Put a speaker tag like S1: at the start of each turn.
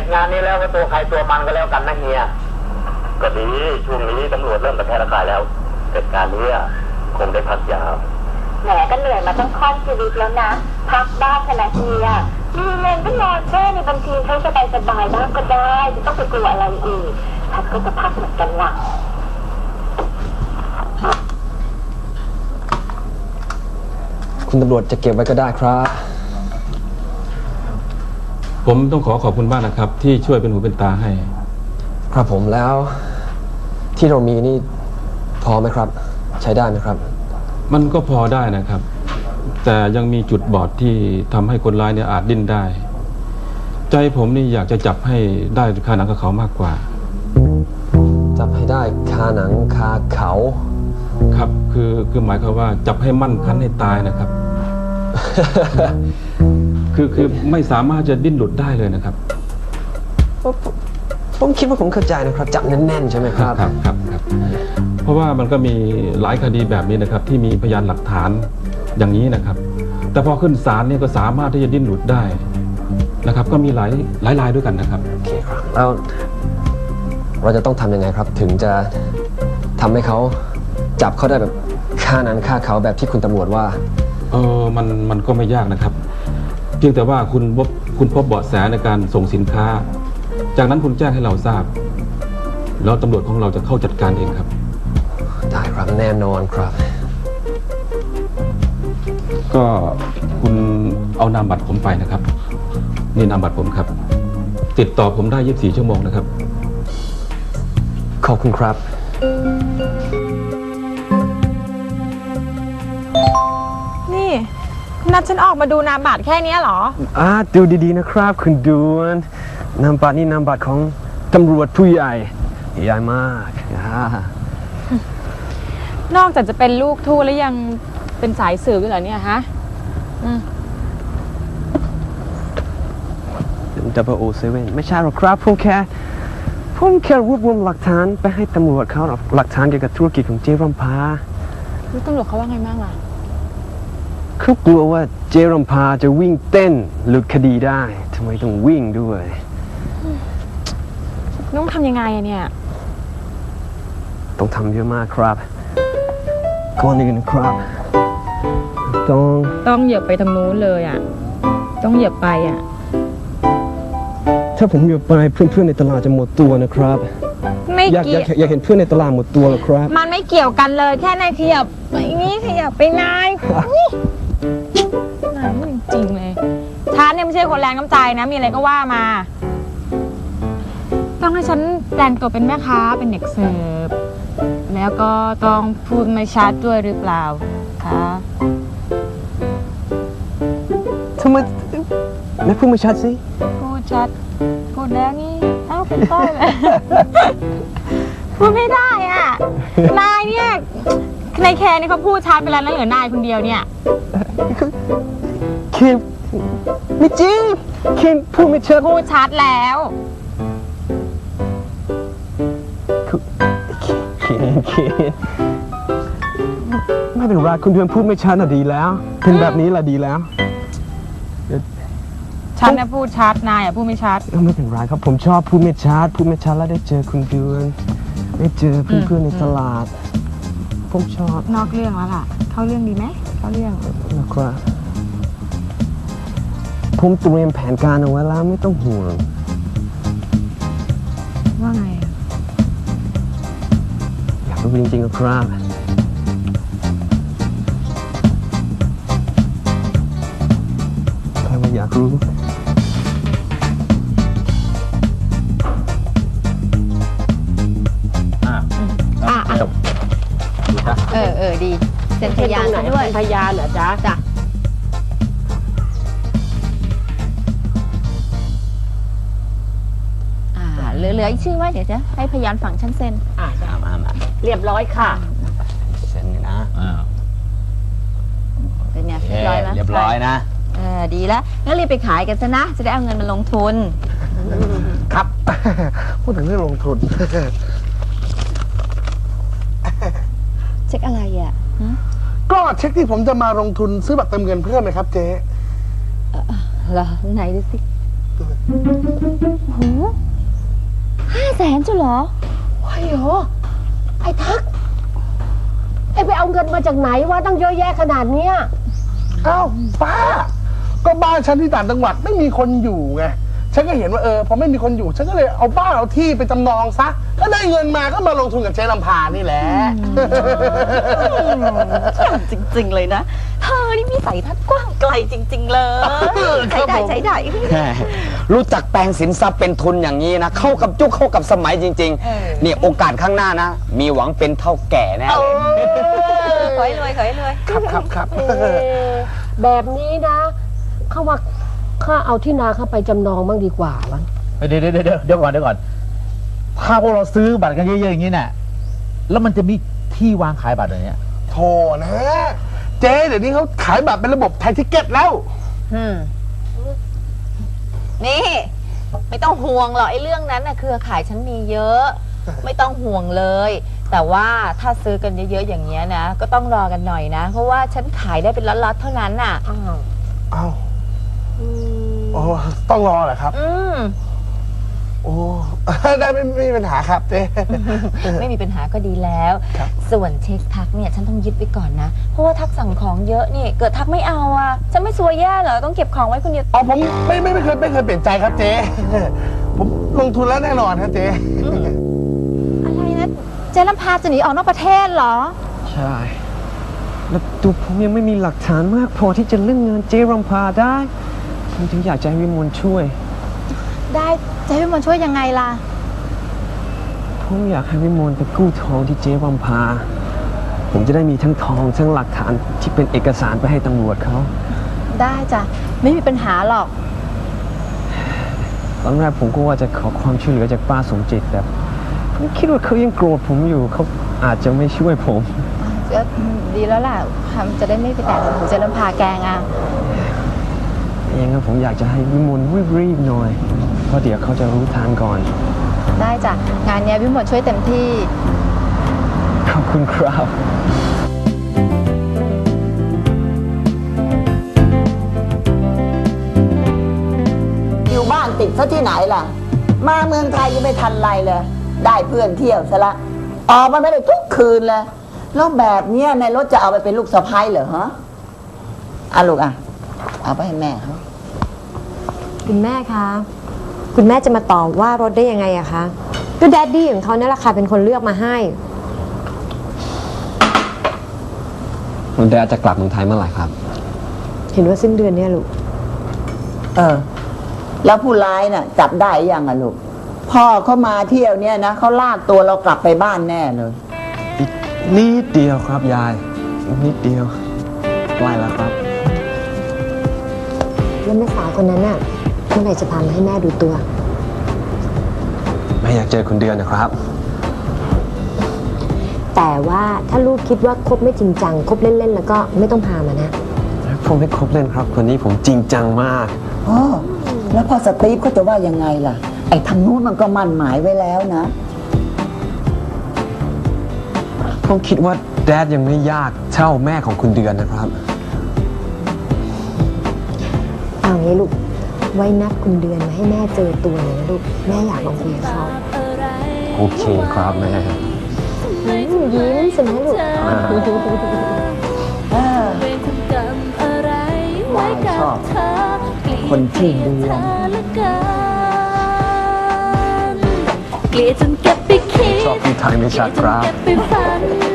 S1: จงานนี้แล้วก็ตัวใครตัวมันก็แล้วกันนะเฮียก็ดีช่วงนี้ตำรวจเริ่มระแคะระคายแล้วเสร็จการนี้คงได้พักยาว
S2: แหมก็เหนื่อยมาตั้งค่อนชีวิตแล้วนะพักบ้างขนาดเฮียมีเงินก็นอนแช่ในบัญชีใช้สบายบ้างก็ได้จะต้องไปกลัวอะไรอีกพักก็จะพักเหมือนกันล่ะ
S3: คุณตำรวจจะเก็บไว้ก็ได้ครับ
S4: ผมต้องขอบคุณมากนะครับที่ช่วยเป็นหูเป็นตาให้
S3: ครับผมแล้วที่เรามีนี่พอไหมครับใช้ได้ไหมครับ
S4: มันก็พอได้นะครับแต่ยังมีจุดบอดที่ทำให้คนร้ายเนี่ยอาจดิ้นได้ใจผมนี่อยากจะจับให้ได้คาหนังคาเขามากกว่า
S3: จับให้ได้คาหนังคาเขา
S4: ครับคือหมายความว่าจับให้มั่นคันให้ตายนะครับ คือไม่สามารถจะดิ้นหลุดได้เลยนะครับ
S3: ผมคิดว่าผมเข้าใจนะครับจับแน่นๆใช่ไหมครับ
S4: ครับเพราะว่ามันก็มีหลายคดีแบบนี้นะครับที่มีพยานหลักฐานอย่างนี้นะครับแต่พอขึ้นศาลเนี่ยก็สามารถที่จะดิ้นหลุดได้นะครับก็มีหลายรายด้วยกันนะครับ
S3: โอเคครับแล้วเราจะต้องทำยังไงครับถึงจะทำให้เขาจับเขาได้แบบฆ่านั้นฆ่าเขาแบบที่คุณตำรวจว่า
S4: มันก็ไม่ยากนะครับเพียงแต่ว่าคุณพบเบาะแสในการส่งสินค้าจากนั้นคุณแจ้งให้เราทราบแล้วตำรวจของเราจะเข้าจัดการเองครับ
S3: ได้ครับแน่นอนครับ
S4: ก็คุณเอานามบัตรผมไปนะครับนี่นามบัตรผมครับติดต่อผมได้24 ชั่วโมงนะครับ
S3: ขอบคุณครับ
S5: นี่นัดฉันออกมาดูนามบัตรแค่นี้เหรอ
S3: ดูดีๆนะครับคุณดวนนามบัตรนี่นามบัตรของตำรวจผู้ใหญ่ใหญ่มาก
S5: นอกจากจะเป็นลูกทูตแล้วยังเป็นสายสืบด้วยเหรอเนี่ยฮะ
S3: 007ไม่ใช่หรอกครับผมแค่รวบรวมหลักฐานไปให้ตำรวจเขาหลักฐานเกี่ยวกับธุรกิจของเจรมพา
S5: แล้วตำรวจเขาว่าไงบ้างล่ะ
S3: เขากลัวว่าเจรมพาจะวิ่งเต้นหลุดคดีได้ทำไมต้องวิ่งด้วย
S5: ต้องทำยังไงเนี่ย
S3: ต้องทำเยอะมากครับก่อนอื่นนะครับ
S5: ต้องเหยียบไปทางนู้นเลยต้องเหยียบไป
S3: ถ้าผมเหยียบไปเพื่อนๆในตลาดจะหมดตัวนะครับ
S5: ไม่เกี่ยว
S3: อยากเห็นเพื่อนในตลาดหมดตัวหรอครับ
S5: มันไม่เกี่ยวกันเลยแค่นายขยับไปนี่ขยับไปนายจริงเลยฉันเนี่ยไม่ใช่คนแรงน้ำใจนะมีอะไรก็ว่ามาต้องให้ฉันแปลงตัวเป็นแม่ค้าเป็นเด็กเสิร์ฟแล้วก็ต้องพูดไม่ชัดด้วยหรือเปล่าคะ
S3: ทำไมไม่พูดไม่ชัดสิ
S5: พูดชัดพูดแล้วนี่เป็นต้นเลยพูดไม่ได้นายเนี่ยในแคร์นี่เขาพูดชัดไปแล้วนะเหลือนายคนเดียวเนี่ย
S3: เคนไม่จริงเคนพูดไม่ชัด
S5: พูดชัดแล้ว
S3: เคนไม่เป็นไรคุณเดือนพูดไม่ชัดน่ะดีแล้วเป็นแบบนี้แหละดีแล้ว
S5: ฉันเนี่ยพูดชัดนายพูดไม่ชัด
S3: ไม่เป็นไรครับผมชอบพูดไม่ชัดแล้วได้เจอคุณเดือนได้เจอเพื่อนๆในตลาดผมชอบ
S5: นอกเรื่องแล้วล่ะเข้าเรื่องดีไหมเข้าเรื่อง
S3: นะครับผมเตรียมแผนการเอาไว้แล้วไม่ต้องห่วง
S5: ว่าไง
S3: อยากรู้จริงๆนะครับใครว่าอยากรู้
S2: ดีเป็นพยานด้วย
S6: พยานเหรอจ๊ะ
S2: เหลืออีกชื่อไว้เดี๋ยวจะให้พยานฝั่งฉันเซ็น
S6: มาเรียบร้อยค่ะ
S3: เซ็นนะ
S2: เป็นไงเรียบร้อยไหม
S3: เรียบร้อยนะ
S2: ดีแล้วงั้นรีบไปขายกันซะนะจะได้เอาเงินมาลงทุน
S3: ครับพูดถึงเรื่องลงทุน
S2: เช็คอะไร
S3: ก็เช็คที่ผมจะมาลงทุนซื้อบัตรเติมเงินเพิ่มนะครับเจ๊
S2: เหรอไหนดูสิ
S5: โห500,000จ้ะเหรอ
S7: ไอ้โหไอ้ทักไอ้ไปเอาเงินมาจากไหนวะตั้งเยอะแยะขนาดเนี้ย
S8: อ้าวป้า ก็บ้านฉันที่ต่างจังหวัดไม่มีคนอยู่ไง ฉันก็เห็นว่าพอไม่มีคนอยู่ ฉันก็เลยเอาบ้านเอาที่ไปจำนองซะ ก็ได้เงินมาก็มาลงทุนกับเจ๊ลำพานี่แหละ
S9: จริง ๆ เลยนะ เธอนี่มีสายทัศน์กว้างไกลจริง ๆ เลยใช้ได้ใช้ได้
S10: รู้จักแปลงสินทรัพย์เป็นทุนอย่างนี้นะ เข้ากับยุคเข้ากับสมัยจริงๆ นี่โอกาสข้างหน้านะ มีหวังเป็นเท่าแก่แน่เลย
S9: ขอให้รวยขอให้รวย
S8: ครับ
S7: แบบนี้นะเขาว่าข้าเอาที่นาเข้าไปจำนองบ้างดีกว่าวะ
S11: เดี๋ยวก่อนถ้าพวกเราซื้อบัตรกันเยอะๆอย่างนี้น่ะแล้วมันจะมีที่วางขายบัตรอะไรเนี้ย
S8: โธ่นะ เจ๊เดี๋ยวนี้เขาขายบัตรเป็นระบบไทยทิเก็ตแล้ว
S9: นี่ ไม่ต้องห่วงหรอกไอ้เรื่องนั้นน่ะเครือข่ายฉันมีเยอะ ไม่ต้องห่วงเลย แต่ว่าถ้าซื้อกันเยอะๆอย่างเงี้ยนะ ก็ต้องรอกันหน่อยนะ เพราะว่าฉันขายได้เป็นล็อตๆเท่านั้นน่ะ
S8: อ้าวโอ้ต้องรอเหรอครับ โอ้ ได้ไม่มีปัญหาครับเจ๊
S9: ไม่มีปัญหาก็ดีแล้ว ส่วนเช็คทักเนี่ยฉันต้องยึดไว้ก่อนนะ เพราะว่าทักสั่งของเยอะนี่เกิดทักไม่เอาอ่ะฉันไม่ซวยแย่เหรอต้องเก็บของไว้คนเดียว
S8: อ๋อผมไม่เคยเปลี่ยนใจครับเจ๊ ผมลงทุนแล้วแน่นอนครับเจ๊
S5: อะไรนะเจ๊ลำพาจะหนีออกนอกประเทศเหรอ
S3: ใช่ แล้วตัวผมยังไม่มีหลักฐานมากพอที่จะเล่นงานเจ๊รำพาได้ ผมถึงอยากจะให้วิมลช่วย
S5: ได้เจ๊วิมลช่วยยังไงล่ะ
S3: ผมอยากให้วิมลไปกู้ทองที่เจ๊รำพา ผมจะได้มีทั้งทองทั้งหลักฐานที่เป็นเอกสารไปให้ตำรวจเขา
S5: ได้จ้ะไม่มีปัญหาหรอก
S3: ตอนแรกผมก็ว่าจะขอความช่วยเหลือจากป้าสมจิตแต่ผมคิดว่าเขายังโกรธผมอยู่เขาอาจจะไม่ช่วยผม
S5: ก็ดีแล้วล่ะจะได้ไม่ไปแตะหูเจ๊ลำพาแกงอ่ะ
S3: อย่างนั้นผมอยากจะให้วิมลรีบๆหน่อย เพราะเดี๋ยวเขาจะรู้ทางก่อน
S5: ได้จ้ะงานเนี้ยวิมลช่วยเต็มที่
S3: ขอบคุณครับ
S12: อยู่บ้านติดซะที่ไหนล่ะ มาเมืองไทยยังไม่ทันไรเลย ได้เพื่อนเที่ยวซะละออกมาไม่ได้ทุกคืนเลยแล้วแบบเนี้ยในรถจะเอาไปเป็นลูกสะใภ้เหรอฮะลูกเอาไปให้แม่เขา
S13: คุณแม่คะ คุณแม่จะมาตอบว่ารถได้ยังไงอะคะ ก็แดดดี้ของเขาเนี่ยแหละค่ะเป็นคนเลือกมาให้
S3: คุณแดดจะกลับเมืองไทยเมื่อไหร่ครับ
S13: เห็นว่าสิ้นเดือนเนี่ยลูก
S12: แล้วผู้ร้ายน่ะ จับได้ยังลูกพ่อเขามาเที่ยวเนี่ยนะเขาลากตัวเรากลับไปบ้านแน่เลย
S3: อีกนิดเดียวครับยายอีกนิดเดียวใกล้แล้วครับ
S13: แล้วแม่สาวคนนั้นน่ะเมื่อไหร่จะพามาให้แม่ดูตัว
S3: ไม่อยากเจอคุณเดือนนะครับ
S13: แต่ว่าถ้าลูกคิดว่าคบไม่จริงจังคบเล่นๆแล้วก็ไม่ต้องพามานะ
S3: ผมไม่คบเล่นครับคนนี้ผมจริงจังมาก
S12: แล้วพอสตีฟเขาจะว่ายังไงล่ะ ไอ้ทางนู้นมันก็มั่นหมายไว้แล้วนะ
S3: ผมคิดว่าแดดยังไม่ยากเท่าแม่ของคุณเดือนนะครับ
S13: เอางี้ลูก ไว้นัดคุณเดือนมาให้แม่เจอตัวหน่อยนะลูก แม่อยากลองคุยกับเขา
S3: โอเคครับแม่
S13: ยิ้มใช่ไหมลูก
S12: ชอบคนที่เดือน
S2: เกลียดจนเก็บไปคิด
S3: ชอบพี่ไทยไม่ชัดครับ
S2: เก็บไปฝัน